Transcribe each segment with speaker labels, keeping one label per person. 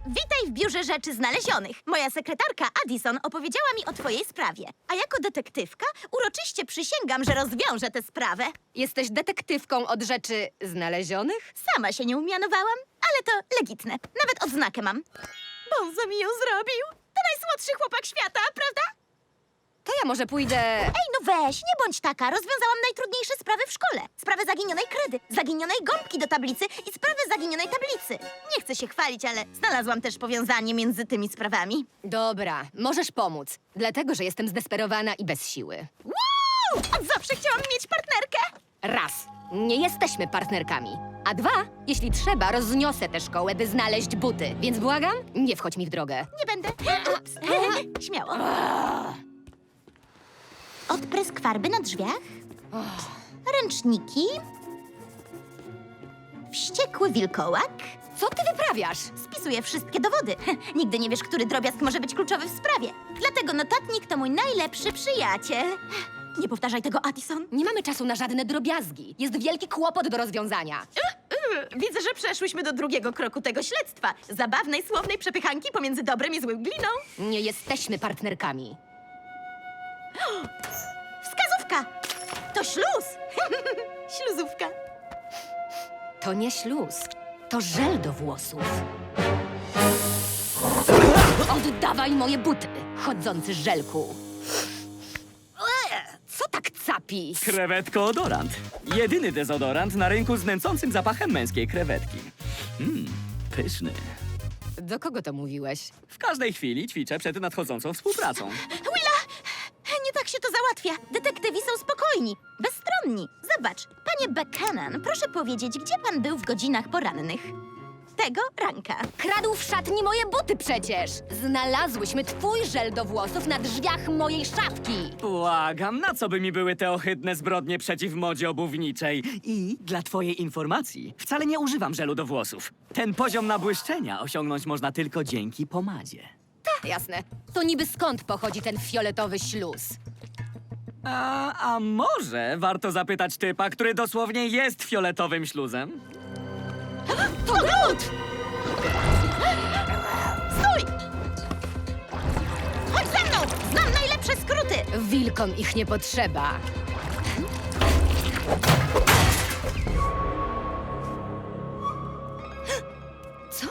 Speaker 1: Witaj w biurze rzeczy znalezionych. Moja sekretarka Addison opowiedziała mi o twojej sprawie. A jako detektywka uroczyście przysięgam, że rozwiążę tę sprawę.
Speaker 2: Jesteś detektywką od rzeczy znalezionych?
Speaker 1: Sama się nie umianowałam, ale to legitne. Nawet odznakę mam. Bonzo mi ją zrobił. To najsłodszy chłopak świata, prawda?
Speaker 2: To ja może pójdę...
Speaker 1: Ej, no weź, nie bądź taka. Rozwiązałam najtrudniejsze sprawy w szkole. Sprawę zaginionej kredy, zaginionej gąbki do tablicy i sprawę zaginionej tablicy. Nie chcę się chwalić, ale znalazłam też powiązanie między tymi sprawami.
Speaker 2: Dobra, możesz pomóc. Dlatego, że jestem zdesperowana i bez siły.
Speaker 1: Wow! Od zawsze chciałam mieć partnerkę.
Speaker 2: Raz, nie jesteśmy partnerkami. A dwa, jeśli trzeba, rozniosę tę szkołę, by znaleźć buty. Więc błagam, nie wchodź mi w drogę.
Speaker 1: Nie będę. Ups. Śmiało. Odprysk farby na drzwiach. Ręczniki. Wściekły wilkołak.
Speaker 2: Co ty wyprawiasz?
Speaker 1: Spisuję wszystkie dowody. Nigdy nie wiesz, który drobiazg może być kluczowy w sprawie. Dlatego notatnik to mój najlepszy przyjaciel. Nie powtarzaj tego, Addison.
Speaker 2: Nie mamy czasu na żadne drobiazgi. Jest wielki kłopot do rozwiązania.
Speaker 1: Widzę, że przeszłyśmy do drugiego kroku tego śledztwa. Zabawnej, słownej przepychanki pomiędzy dobrem i złym gliną.
Speaker 2: Nie jesteśmy partnerkami.
Speaker 1: Wskazówka! To śluz! Śluzówka.
Speaker 2: To nie śluz. To żel do włosów. Oddawaj moje buty, chodzący żelku. Co tak capi?
Speaker 3: Krewetko-odorant. Jedyny dezodorant na rynku z nęcącym zapachem męskiej krewetki. Pyszny.
Speaker 2: Do kogo to mówiłeś?
Speaker 3: W każdej chwili ćwiczę przed nadchodzącą współpracą.
Speaker 1: Willa! Nie tak się to załatwia. Detektywi są spokojni, bezstronni. Zobacz, panie Buchanan, proszę powiedzieć, gdzie pan był w godzinach porannych? Tego ranka.
Speaker 2: Kradł w szatni moje buty przecież! Znalazłyśmy twój żel do włosów na drzwiach mojej szafki!
Speaker 3: Błagam, na co by mi były te ohydne zbrodnie przeciw modzie obuwniczej? I dla twojej informacji, wcale nie używam żelu do włosów. Ten poziom nabłyszczenia osiągnąć można tylko dzięki pomadzie.
Speaker 2: Jasne. To niby skąd pochodzi ten fioletowy śluz?
Speaker 3: A może warto zapytać typa, który dosłownie jest fioletowym śluzem?
Speaker 1: To Groot! Stój! Chodź ze mną! Znam najlepsze skróty!
Speaker 2: Wilkom ich nie potrzeba. Co?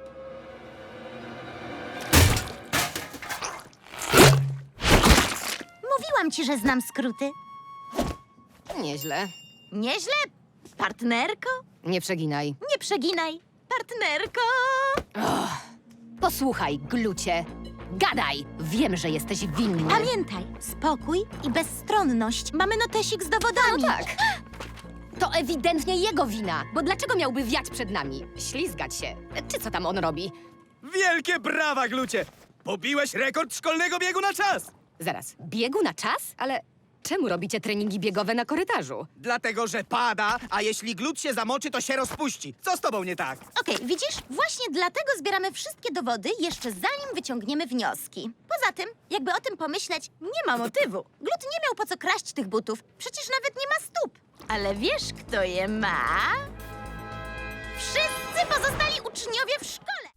Speaker 1: Mówiłam ci, że znam skróty.
Speaker 2: Nieźle.
Speaker 1: Nieźle? Partnerko?
Speaker 2: Nie przeginaj.
Speaker 1: Nie przeginaj. Partnerko!
Speaker 2: Posłuchaj, glucie. Gadaj! Wiem, że jesteś winny.
Speaker 1: Pamiętaj, spokój i bezstronność. Mamy notesik z dowodami.
Speaker 2: No tak. To ewidentnie jego wina, bo dlaczego miałby wiać przed nami? Ślizgać się. Czy co tam on robi?
Speaker 4: Wielkie brawa, Glucie! Pobiłeś rekord szkolnego biegu na czas!
Speaker 2: Zaraz, biegu na czas? Ale czemu robicie treningi biegowe na korytarzu?
Speaker 4: Dlatego, że pada, a jeśli glut się zamoczy, to się rozpuści. Co z tobą nie tak?
Speaker 1: Okej, widzisz? Właśnie dlatego zbieramy wszystkie dowody, jeszcze zanim wyciągniemy wnioski. Poza tym, jakby o tym pomyśleć, nie ma motywu. Glut nie miał po co kraść tych butów. Przecież nawet nie ma stóp. Ale wiesz, kto je ma? Wszyscy pozostali uczniowie w szkole!